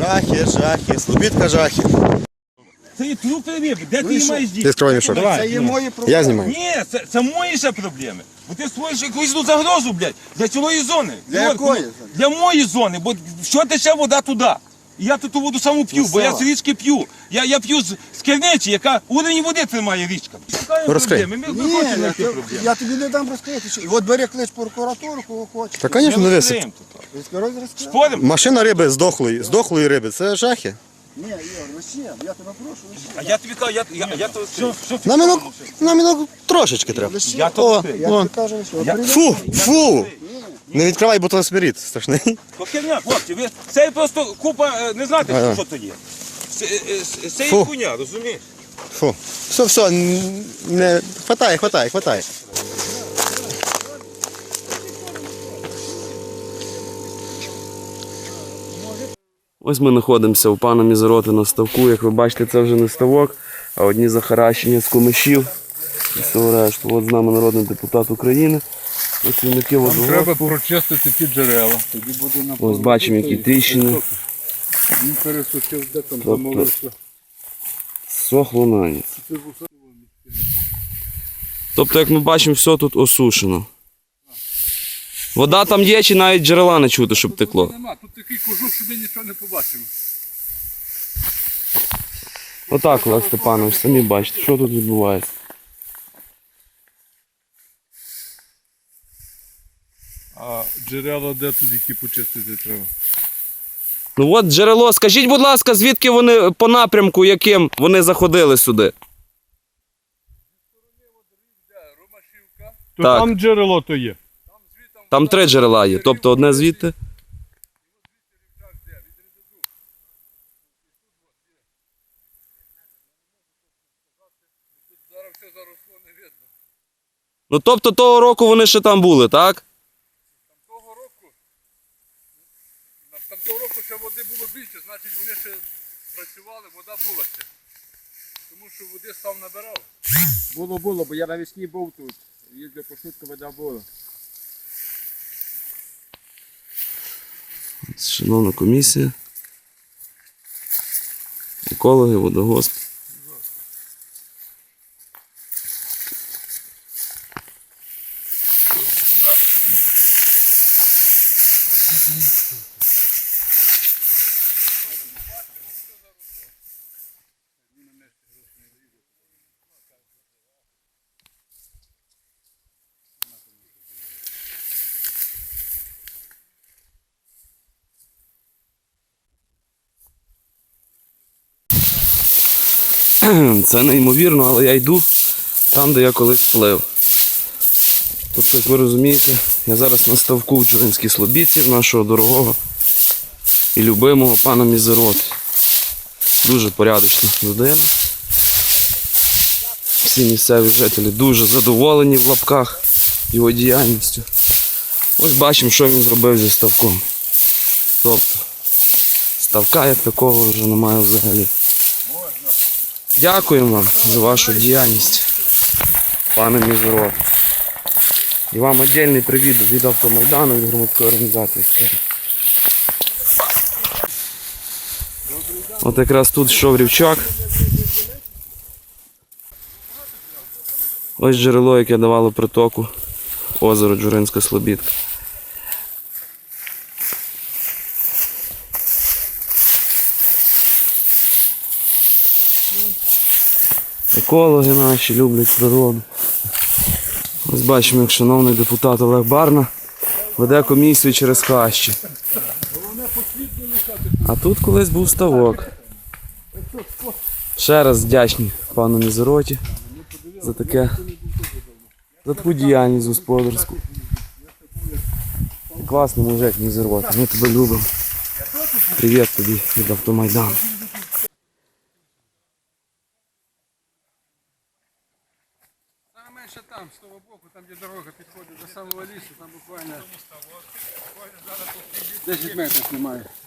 Жахи, жахи, Слобідка жахи. Це є трупи риби, де ти її маєш Ти діти? скривай мішок. Це є мої проблеми. Я знімаю. Ні, це мої ще проблеми. Бо ти створюєш якусь загрозу, блядь, для цілої зони. Для якої зони? Для моєї зони, бо що тече вода туди? І я тут ту воду саму п'ю, бо я з річки п'ю. Я п'ю з керниці, яка уровень води тримає річка. Шукаємо Розкрий. проблеми, ми Ні, хочемо знайти проблеми. я тобі не дам розкрити. І от бери клич прокуратуру, кого хочеш. Та, звісно, не висип. Розкрий. Спорим? Машина риби здохлої риби, це жахи. Ні, Ігор, лише, я тебе прошу, лише. А я тобі кажу, я то Нам трошечки треба. Я то О, відкрию. Я вон. тобі кажу, лише. От Фу, фу! Не відкривай, бо то смирід страшний. То херня, хлопці, ви це просто купа, не знаєте, Ага. що то є. Це є Фу. хуйня, розумієш? Фу. Все, не хватає. Ось ми знаходимося у пана Мізероти на ставку. Як ви бачите, це вже не ставок, а одні захаращення з кумишів. І все решту. От з нами народний депутат України. Працівники водогоспу. Треба прочистити ті джерела. Тоді буде на Ось бачимо, які тріщини. Він пересушив, де там Тобто- замовився. Сохло на ніч. Тобто, як ми бачимо, все тут осушено. Вода там є, чи навіть джерела не чути, щоб текло. Нема, тут такий кожух, що ми нічого не побачимо. Отак, Олег Степанович, самі бачите, що тут відбувається. А джерела де тут, які почистити треба? Ну от джерело, скажіть, будь ласка, звідки вони по напрямку, яким вони заходили сюди? То Так. там джерело то є. Там 3 джерела є, тобто одне звідти. Зараз все заросло, не видно. Ну тобто того року вони ще там були, так? Там того року ще води було більше, значить вони ще працювали, вода була ще. Тому що води став набирав. Було, бо я навесні був тут. Їздив по швидко, вода була. Шановна комісія. Екологи, водогосп. Це неймовірно, але я йду там, де я колись плив. Тобто, як ви розумієте, я зараз на ставку в Джуринській Слобідці, в нашого дорогого і любимого пана Мізероти. Дуже порядочна людина. Всі місцеві жителі дуже задоволені в лапках його діяльністю. Ось бачимо, що він зробив зі ставком. Тобто, ставка як такого вже немає взагалі. Дякуємо вам за вашу діяльність, пане Мізерот. І вам окремий привіт від Автомайдану, від громадської організації. От якраз тут йшов рівчак. Ось джерело, яке давало притоку озеро Джуринська Слобідка. Екологи наші люблять природу. Ось бачимо, як шановний депутат Олег Барна веде комісію через хащі. А тут колись був ставок. Ще раз вдячні пану Мізероті за таку діяльність господарську. Класний мужик Мізерот, ми тебе любимо. Привіт тобі від Автомайдану. Менше там, з того боку, там де дорога підходить до самого лісу, там буквально 10 метрів немає.